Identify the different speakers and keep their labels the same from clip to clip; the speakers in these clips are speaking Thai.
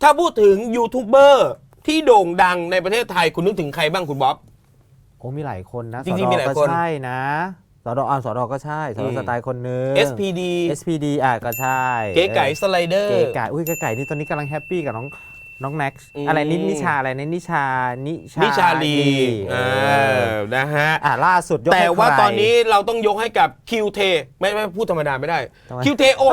Speaker 1: ถ้าพูดถึงยูทูบเบอร์ที่โด่งดังในประเทศไทยคุณนึกถึงใครบ้างคุณบ๊อบ
Speaker 2: โอ้มีหลายคนนะ
Speaker 1: จริงๆมีหลายคน
Speaker 2: ก็ใช่นะสดก็ใช่สดสไตล์คนนึง SPD ก็ใช่
Speaker 1: เก๋ไก่สไลเดอร์
Speaker 2: เก๋ไก่เก๋ไก่นี่ตอนนี้กำลังแฮปปี้กับน้องแน็กซ์อะไรนิชาอะไรนิชาลี
Speaker 1: นะฮะ
Speaker 2: ล่าสุดยกให้ใคร
Speaker 1: แต่ว่าตอนนี้เราต้องยกให้กับคิวเทไม่พูดธรรมดาไม่ได้คิวเทโอ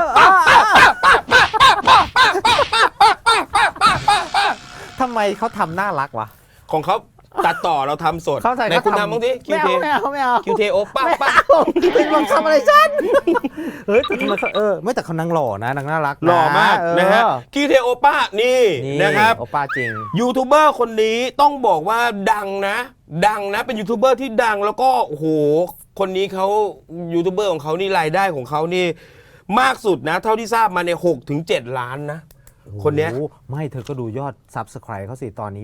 Speaker 2: ทำไมเขาทำน่ารักวะ
Speaker 1: ของเขาตัดต่อเราทำสดในคุณทำบ้างดิคิวเท
Speaker 2: ไม่เอา
Speaker 1: คิวเทโอป้า
Speaker 2: เป็นบังคับอะไรฉันเฮ้ยแต่ทำไมเขาไม่แต่เขานางหล่อนะนางน่ารัก
Speaker 1: หล่อมากนะฮะคิวเทโอป้านี่นะครับ
Speaker 2: โอป้าจริง
Speaker 1: ยูทูบเบอร์คนนี้ต้องบอกว่าดังนะเป็นยูทูบเบอร์ที่ดังแล้วก็โอ้โหคนนี้เขายูทูบเบอร์ของเขานี่รายได้ของเขานี่มากสุดนะเท่าที่ทราบมาใน6-7 ล้านนะคนเนี้ย
Speaker 2: ไม่เธอก็ดูยอด Subscribe เขาสิตอนนี้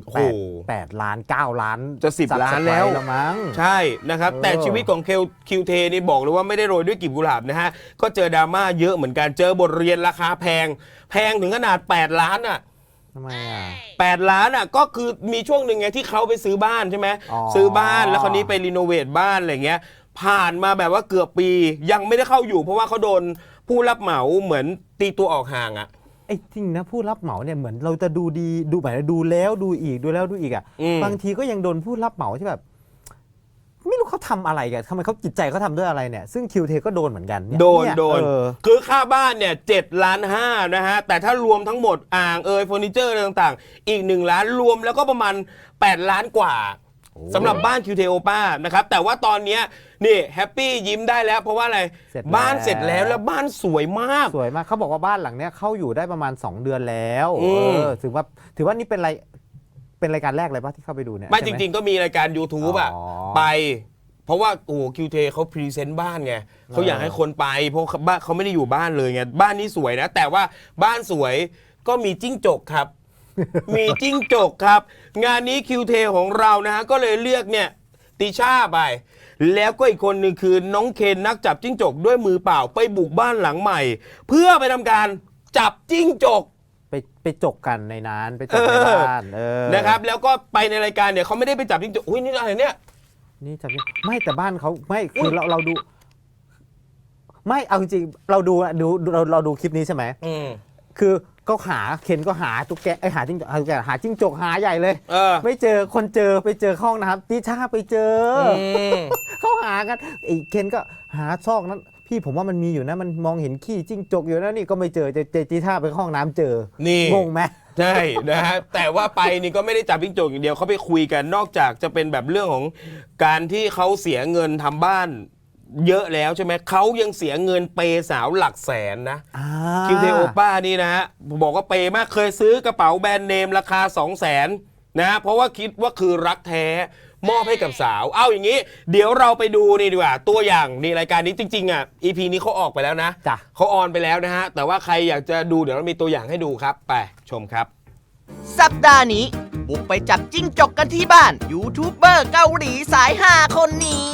Speaker 2: 8 ล้าน 9 ล้าน
Speaker 1: จะ10 ล้านแล้ว
Speaker 2: มั้ง
Speaker 1: ใช่นะครับแต่ชีวิตของคิวเทนี่บอกเลยว่าไม่ได้โรยด้วยกลีบกุหลาบนะฮะก็เจอดราม่าเยอะเหมือนกันเจอบทเรียนราคาแพงถึงขนาด8 ล้านอ่ะ
Speaker 2: ทำไมอ่ะ
Speaker 1: 8 ล้านอ่ะก็คือมีช่วงหนึ่งไงที่เขาไปซื้อบ้านใช่ไหมซื้อบ้านแล้วคราวนี้ไปรีโนเวทบ้านอะไรเงี้ยผ่านมาแบบว่าเกือบปียังไม่ได้เข้าอยู่เพราะว่าเขาโดนผู้รับเหมาเหมือนตีตัวออกห่างอ่ะ
Speaker 2: ไอ้จริงนะผู้รับเหมาเนี่ยเหมือนเราจะดูดีดูแบบดูแล้วดูอีกดูแล้วดูอีกอ่ะบางทีก็ยังโดนผู้รับเหมาที่แบบไม่รู้เขาทำอะไรกันทำไมเขาจิตใจเขาทำด้วยอะไรเนี่ยซึ่งคิวเทก็โดนเหมือนกัน
Speaker 1: โดนคือค่าบ้านเนี่ย7.5 ล้านนะฮะแต่ถ้ารวมทั้งหมดอ่างเฟอร์นิเจอร์อะไรต่างๆอีก1 ล้านรวมแล้วก็ประมาณ8 ล้านกว่าสำหรับบ้านคิวเทโอป้านะครับแต่ว่าตอนนี้นี่แฮปปี้ยิ้มได้แล้วเพราะว่าอะไรบ้านเสร็จแล้วบ้านสวยมาก
Speaker 2: เขาบอกว่าบ้านหลังเนี้ยเข้าอยู่ได้ประมาณ2 เดือนแล้วถือว่านี่เป็นรายการแรกเลยป่ะที่เข้าไปดูเนี่ย
Speaker 1: ไม่จริงๆก็มีรายการ YouTube อ่ะไปเพราะว่าโอ้คิวเทเขาพรีเซนต์บ้านไงเขาอยากให้คนไปเพราะบ้านเขาไม่ได้อยู่บ้านเลยไงบ้านนี้สวยนะแต่ว่าบ้านสวยก็มีจิ้งจกครับมีจิ้งจกครับงานนี้คิวเทของเรานะฮะก็เลยเลือกเนี่ยติช่าไปแล้วก็อีกคนหนึ่งคือน้องเคนนักจับจิ้งจกด้วยมือเปล่าไปบุกบ้านหลังใหม่เพื่อไปทำการจับจิ้งจก
Speaker 2: ไปจกกันในนั้นไปจกในบ้าน
Speaker 1: นะครับแล้วก็ไปในรายการเนี่ยเขาไม่ได้ไปจับจิ้งจกอุ้ยนี่อะไรเนี่ย
Speaker 2: นี่จับไม่แต่บ้านเขาไม่คือเราดูไม่เอาจริงเราดูคลิปนี้ใช่ไหมคือก็เคนก็หาตุ๊กแกหาจิ้งจกหาใหญ่เลยไม่เจอคนไปเจอห้องนะครับติช่าไปเจอเขาหากันไอ้เคนก็หาซอกนั้นพี่ผมว่ามันมีอยู่นะมันมองเห็นขี้จิ้งจกอยู่นะนี่ก็ไม่เจอติช่าไปห้องน้ำเจอ
Speaker 1: นี่
Speaker 2: งงไหม
Speaker 1: ใช่นะฮะแต่ว่าไปนี่ก็ไม่ได้จับจิ้งจกอย่างเดียวเขาไปคุยกันนอกจากจะเป็นแบบเรื่องของการที่เขาเสียเงินทำบ้านเยอะแล้วใช่ไหมเขายังเสียเงินเปย์สาวหลักแสนนะคิวเทโอป้านี่นะฮะบอกว่าเปย์มากเคยซื้อกระเป๋าแบรนด์เนมราคา 200,000 นะเพราะว่าคิดว่าคือรักแท้มอบให้กับสาวเอาอย่างนี้เดี๋ยวเราไปดูนี่ดีกว่าตัวอย่างนี่รายการนี้จริงๆอ่ะ EP นี้เขาออกไปแล้วนะเขาออนไปแล้วนะฮะแต่ว่าใครอยากจะดูเดี๋ยวเรามีตัวอย่างให้ดูครับไปชมครับ
Speaker 3: สัปดาห์นี้บุกไปจับจิ้งจกกันที่บ้านยูทูบเบอร์เกาหลีสายฮาคนนี้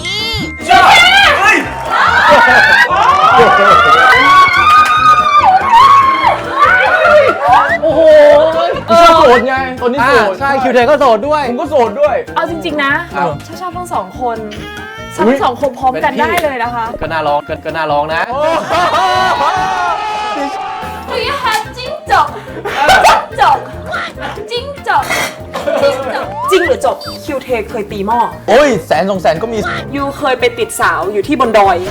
Speaker 4: โอ้โหโสดไงตอนนี้โสด
Speaker 2: ใช่คิวเทก็โสดด้วย
Speaker 4: ผมก็โสดด้วย
Speaker 5: เอาจริงๆนะชอบทั้งสองคนทั้งสองคนพร้อมกันได้เลยนะคะ
Speaker 4: ก็น่าร้องนะ
Speaker 5: Do you have จิ้งจกจิ้งจกจริงหรือจบคิวเทเคยตีหม้อ
Speaker 4: โอ้ย100,000-200,000ก็มี
Speaker 5: ยูเคยไปติดสาวอยู่ที่บนดอย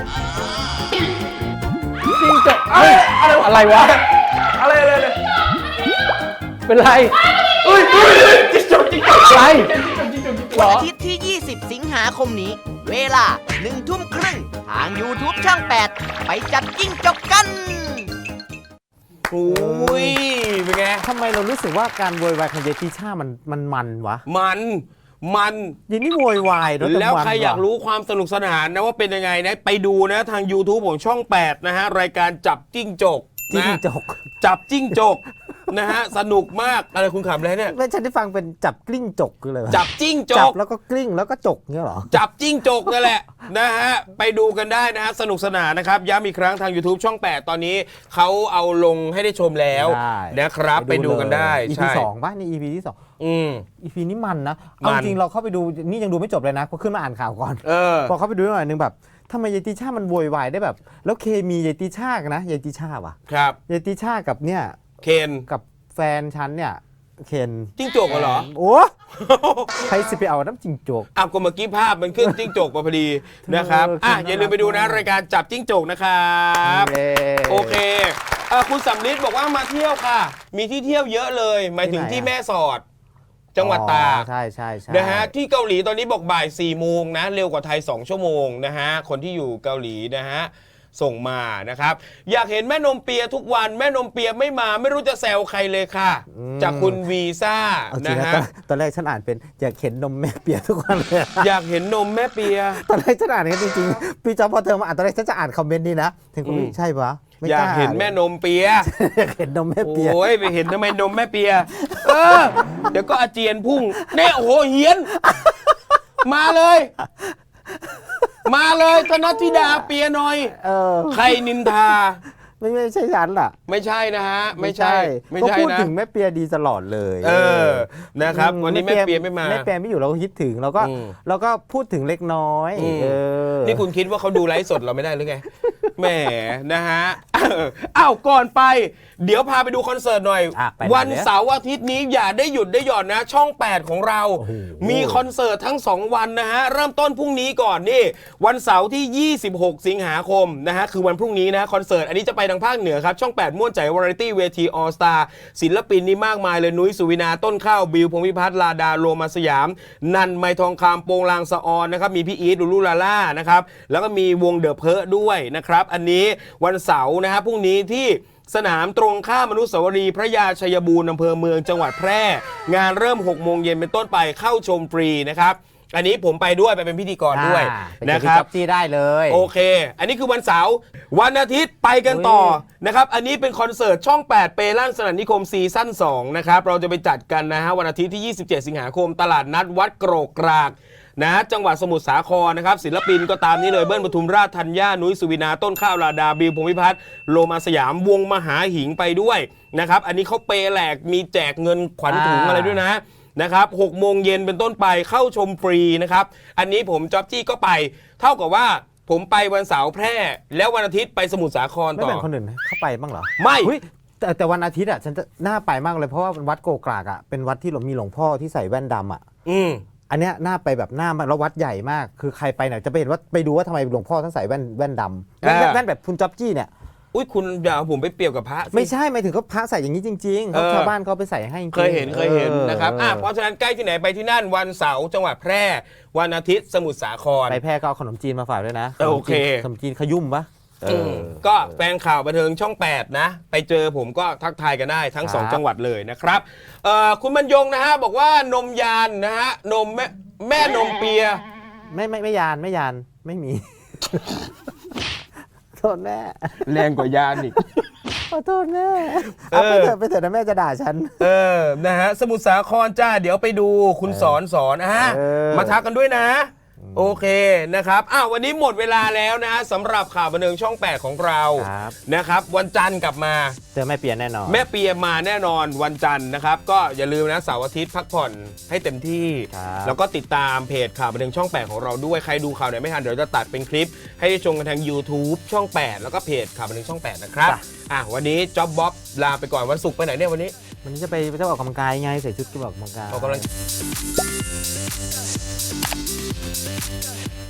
Speaker 4: จิ้งจกอะไรวะอะไรเป็นไรจิ้งจกอะไร
Speaker 3: วันอาทิตย์ที่20 สิงหาคมนี้เวลา 1 ทุ่มครึ่งทาง YouTube ช่อง 8ไปจับจิ้งจกกัน
Speaker 1: โอ้ยเป็นไง
Speaker 2: ทำไมเรารู้สึกว่าการโวยวายของเยติช่ามันวะ
Speaker 1: มัน
Speaker 2: ยินนี่โวยวาย
Speaker 1: แล้วใครอยากรู้ความสนุกสนานนะว่าเป็นยังไงนะไปดูนะทาง YouTube ของช่อง 8นะฮะรายการจับจิ้งจก
Speaker 2: จับจิ้งจก
Speaker 1: นะฮะสนุกมากอะไรคุณขำอะไรเนี่ย
Speaker 2: ไม่ฉันได้ฟังเป็นจับกลิ้งจกคืออะไรวะ
Speaker 1: จับจิ้งจ
Speaker 2: จับ
Speaker 1: ก
Speaker 2: แล้วก็กลิ้งแล้วก็จกเงี้ยเหรอ
Speaker 1: จับจิ้งจกนั่นแหละ นะฮะไปดูกันได้นะฮะสนุกสนานนะครับย้ำอีกครั้งทาง YouTube ช่อง 8 ตอนนี้เขาเอาลงให้ได้ชมแล้ว
Speaker 2: ได้
Speaker 1: นะครับไปดูกันได้
Speaker 2: EP
Speaker 1: ใช่
Speaker 2: สองป่ะนี่ EP ที่สอง EP นี้มันนะ
Speaker 1: มัน
Speaker 2: เอาจริงเราเข้าไปดูนี่ยังดูไม่จบเลยนะเพราะขึ้นมาอ่านข่าวก่อน พอเข้าไปดูหน่อยนึงแบบทำไมยายติช่ามันโวยวายได้แบบ แล้วเคมียายติช่ากันนะยายติช่าว่ะ
Speaker 1: ครับ
Speaker 2: ยายติช่ากับเนี่ย
Speaker 1: เคน
Speaker 2: กับแฟนฉันเนี่ยเคน
Speaker 1: จิ้งจกเหรอ
Speaker 2: โอ้ใครสิไปเอาน้ำจิงจก
Speaker 1: อ้าวก็เมื่อกี้ภาพมันขึ้นจิ้งจกมาพอดีนะครับอย่าลืมไปดูนะรายการจับจิ้งจกนะครับโอเคคุณสำลิดบอกว่ามาเที่ยวค่ะ มีที่เที่ยวเยอะเลยหมายถึงที่แม่สอด จังหวัดตาก
Speaker 2: ใช่ใช่ใช่
Speaker 1: นะฮะที่เกาหลีตอนนี้บอกบ่าย4 โมงนะเร็วกว่าไทย2 ชั่วโมงนะฮะคนที่อยู่เกาหลีนะฮะส่งมานะครับอยากเห็นแม่นมเปียทุกวันแม่นมเปียไม่มาไม่รู้จะแซวใครเลยค่ะ จากคุณวีซ่า
Speaker 2: เอาจริ
Speaker 1: นะ
Speaker 2: งนะ
Speaker 1: ฮะ
Speaker 2: ตอนแรกฉันอ่านเป็นอยากเห็นนมแม่เปียทุกวันเลย
Speaker 1: อยากเห็นนมแม่เปีย
Speaker 2: ตอนแรกฉันอ่านกันจริงๆพี่จอมพอเธอมาอ่านตอนแรกฉันจะอ่านคอมเมนต์นี้นะถึงก็ใช่ปะไม่
Speaker 1: อยากเห็นแม่นมเปีย
Speaker 2: อยากเห็นนมแม่เปีย
Speaker 1: โอ้ยไปเห็นทำไมนมแม่เปียเดี๋ยวก็อาเจียนพุ่งเนี่ยโอ้โหเฮียน มาเลยธนธิดาเปียหน่อยใครนินทา
Speaker 2: ไม่ใช่ฉันล่ะ
Speaker 1: ไม่ใช่นะฮะไม่ใช่
Speaker 2: ก็พูด
Speaker 1: นะ
Speaker 2: ถึงแม่เปียดีตลอดเลย
Speaker 1: นะครับวันนี้แม่เปียไม่มา
Speaker 2: แม่เปียไม่อยู่เราก็คิดถึงเราก็พูดถึงเล็กน้อย
Speaker 1: นี่คุณคิดว่าเขาดูไลฟ์สดเราไม่ได้หรือไงแหมนะฮะอ้าวก่อนไปเดี๋ยวพาไปดูคอนเสิร์ตหน่อย วันเสาร์อาทิตย์นี้อย่าได้หยุดได้หย่อนนะช่อง 8 ของเรา มีคอนเสิร์ตทั้ง2 วันนะฮะเริ่มต้นพรุ่งนี้ก่อนนี่วันเสาร์ที่ 26 สิงหาคมนะฮะคือวันพรุ่งนี้นะคอนเสิร์ตอันนี้จะไปทางภาคเหนือครับช่อง 8 ม่วนใจวาไรตี้เวทีออลสตาร์ศิลปินนี่มากมายเลยนุ้ยสุวินาต้นข้าวบิวพงษ์พิพัฒน์ลาดาโรมาสยามนันไมทองคำโปงลางสะออนนะครับมีพี่อีทลูลูลาล่านะครับแล้วก็มีวงเดอะเพอด้วยนะครับอันนี้วันเสาร์นะฮะพรุ่งนี้ที่สนามตรงข้ามอนุสาวรีย์พระยาชัยบูรณ์อำเภอเมืองจังหวัดแพร่งานเริ่ม 6 โมงเย็นเป็นต้นไปเข้าชมฟรีนะครับอันนี้ผมไปด้วยไปเป็นพิธีกรด้วยนะครับ
Speaker 2: ที่ได้เลย
Speaker 1: โอเคอันนี้คือวันเสาร์วันอาทิตย์ไปกันต่อนะครับอันนี้เป็นคอนเสิร์ตช่อง 8 เปลั่นสนั่นนิคมซีซั่น2นะครับเราจะไปจัดกันนะฮะวันอาทิตย์ที่ 27 สิงหาคมตลาดนัดวัดโกรกกรากนะจังหวัดสมุทรสาครนะครับศิลปินก็ตามนี้เลยเบิ้ลปทุมราชธัญญานุ้ยสุวินาต้นข้าวลาดาบิวพงษ์พิพัฒน์โลมาสยามวงมหาหิงไปด้วยนะครับอันนี้เขาเปแหลกมีแจกเงินขวัญถุงอะไรด้วยนะครับ6 โมงเย็นเป็นต้นไปเข้าชมฟรีนะครับอันนี้ผมจ๊อบจี้ก็ไปเท่ากับว่าผมไปวันเสาร์แพร่แล้ววันอาทิตย์ไปสมุทรสาคร
Speaker 2: ไม่
Speaker 1: ต่อ
Speaker 2: แบ่งคนอื่นเข้าไปบ้างเหรอ
Speaker 1: ไม่
Speaker 2: แต่วันอาทิตย์อ่ะฉันจะน่าไปมากเลยเพราะว่าวัดโกกรากอ่ะเป็นวัดที่มีหลวงพ่อที่ใส่แว่นดำอ่ะอันเนี้ยน่าไปแบบหน้าแล้ววัดใหญ่มากคือใครไปเนี่ยจะไปเห็นว่าไปดูว่าทำไมหลวงพ่อท่านใส่แว่นดำแว่นแบบคุณจ๊อบจี้เนี่ย
Speaker 1: อุ้ยคุณอย่าเอาผมไปเปรียบกับพระสิ
Speaker 2: ไม่ใช่หมายถึงเขาพระใส่อย่างนี้จริงๆเขาชาวบ้านเขาไปใส่ให้จริงๆ
Speaker 1: เคยเห็นนะครับเพราะฉะนั้นใกล้ที่ไหนไปที่นั่นวันเสาร์จังหวัดแพร่วันอาทิตย์สมุทรสาคร
Speaker 2: ไปแพร่ก็เอาขนมจีนมาฝากด้วยนะ
Speaker 1: โอเค
Speaker 2: ขนมจีนขยุ่มปะ
Speaker 1: ก็แฟนข่าวบันเทิงช่อง 8 นะไปเจอผมก็ทักทายกันได้ทั้ง 2 จังหวัดเลยนะครับคุณบรรยงนะฮะบอกว่านมยานนะฮะนมแม่นมเปีย
Speaker 2: ไม่ยานไม่มี โทษแม่
Speaker 1: แรงกว่ายานอีก
Speaker 2: ขอโทษแม่เอาไปเถอะนะแม่จะด่าฉัน
Speaker 1: นะฮะสมุทรสาครจ้าเดี๋ยวไปดูคุณสอนมาทักกันด้วยนะโอเคนะครับวันนี้หมดเวลาแล้วนะสำหรับข่าวบันเทิงช่อง 8 ของเรานะครับวันจันทร์กลับมา
Speaker 2: เจอแม่เปียแน่นอน
Speaker 1: แม่เปียมาแน่นอนวันจันทร์นะครับก็อย่าลืมนะเสาร์อาทิตย์พักผ่อนให้เต็มที่แล้วก็ติดตามเพจข่าวบันเทิงช่อง 8 ของเราด้วยใครดูข่าวไหนไม่ทันเดี๋ยวจะตัดเป็นคลิปให้ได้ชมกันทาง YouTube ช่อง 8 แล้วก็เพจข่าวบันเทิงช่อง 8 นะครับวันนี้จ๊อบบ๊อบลาไปก่อนวันศุกร์ไปไหนเนี่ยวันนี้
Speaker 2: จะไปออกกำลังกายไงใส่ชุดออกกำลังกาย